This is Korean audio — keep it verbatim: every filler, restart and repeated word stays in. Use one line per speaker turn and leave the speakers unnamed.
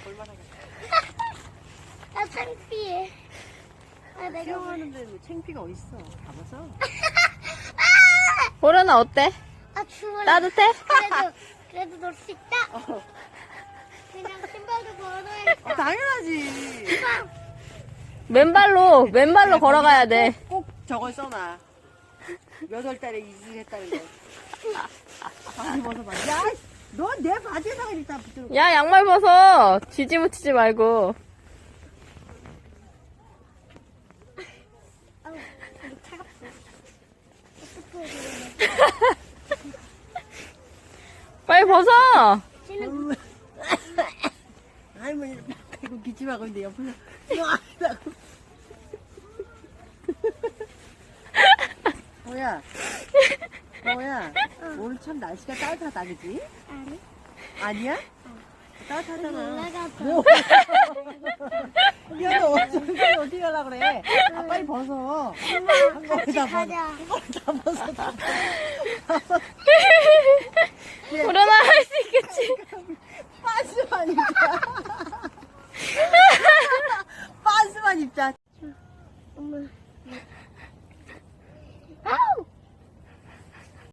볼만하겠다.
아, 창피해. 아, 내가.
수영하는데 뭐 창피가 어딨어. 가봐서.
보라나 어때?
아, 추워.
따뜻해?
그래도, 그래도 놀 수 있다.
어.
그냥 신발도 걸어야겠다.
어, 당연하지.
맨발로 맨발로 걸어가야 돼.
꼭, 꼭 저걸 써놔. 몇 월 달에 이직했다는 거. 바지 벗어봐. 야, 너 내 바지에다가 일단 붙들어.
야, 양말 벗어. 뒤집어치지 말고.
아우, 되게 차갑어. 어떡해,
빨리 벗어.
쟤는
할머니, 이거 기침하고 있는데 옆에서. 이러고. 뭐야? 뭐야? 오늘 참 날씨가 따뜻하다, 그지?
아니,
아니야? 따뜻하잖아.
올라가서.
야, 너 어떻게, 어떻게 하려고 그래? 아, 빨리 벗어. 한
같이
번에 다 벗어.
가자.
한 번에 다 벗어, 다 벗어.
보라나 할 수 있겠지.
빤스만 입자. 빤스만 입자.
엄마. 아우!